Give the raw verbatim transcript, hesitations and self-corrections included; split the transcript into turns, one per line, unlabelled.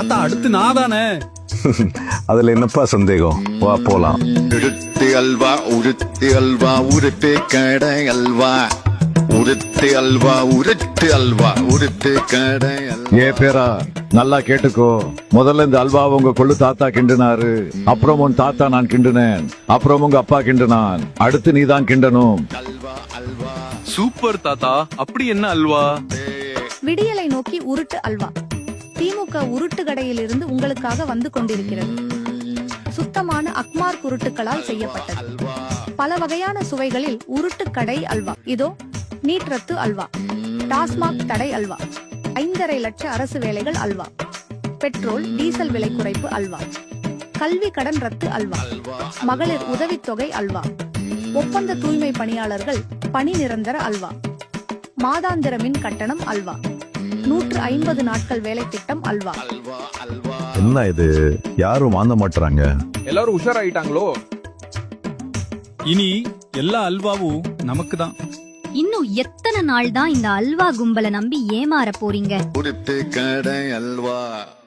தாத்தா அடுத்து நான் தானே.
அதுல என்னப்பா சந்தேகம், வா போலாம்.
உருட்டு அல்வா உருட்டு அல்வா உருட்டு கடை அல்வா உருட்டு அல்வா உருட்டு அல்வா உருட்டு கடை அல்வா.
ஏ பேரா நல்லா கேட்டுக்கோ. முதல்ல இந்த அல்வா உங்க கொள்ளு தாத்தா கிண்டுனாரு, அப்புறம் உன் தாத்தா நான் கிண்டுனேன், அப்புறம் உங்க அப்பா கிண்டுனான், அடுத்து நீ தான் கிண்டனும்.
அல்வா அல்வா
சூப்பர் தாத்தா. அப்படி என்ன அல்வா?
விடியலை நோக்கி உருட்டு அல்வா திமுக உருட்டு கடையிலிருந்து உங்களுக்காக வந்து கொண்டிருக்கிறது. சுத்தமான அக்மார் உருட்டுகளால் செய்யப்பட்டது. பல வகையான சுவைகளில் உருட்டு கடை அல்வா. இதோ நீட் ரத்து அல்வா, டாஸ்மாக் தடை அல்வா, ஐந்தரை லட்ச அரசு வேலைகள் அல்வா, பெட்ரோல் டீசல் விலை குறைப்பு அல்வா, கல்வி கடன் ரத்து அல்வா, மகளிர் உதவித்தொகை அல்வா, ஒப்பந்த தூய்மை பணியாளர்கள் பணி நிரந்தர அல்வா, மாதாந்திர மின் கட்டணம் அல்வா, நூற்று ஐம்பது நாட்கள் வேலை திட்டம் அல்வா.
என்ன இது, யாரும் வாங்க மாட்டாங்க.
எல்லாரும் உஷாராயிட்டாங்களோ?
இனி எல்லா அல்வாவும் நமக்கு தான்.
இன்னும் எத்தனை நாள் தான் இந்த அல்வா கும்பலை நம்பி ஏமாற போறீங்க?
உருட்டு கடை அல்வா.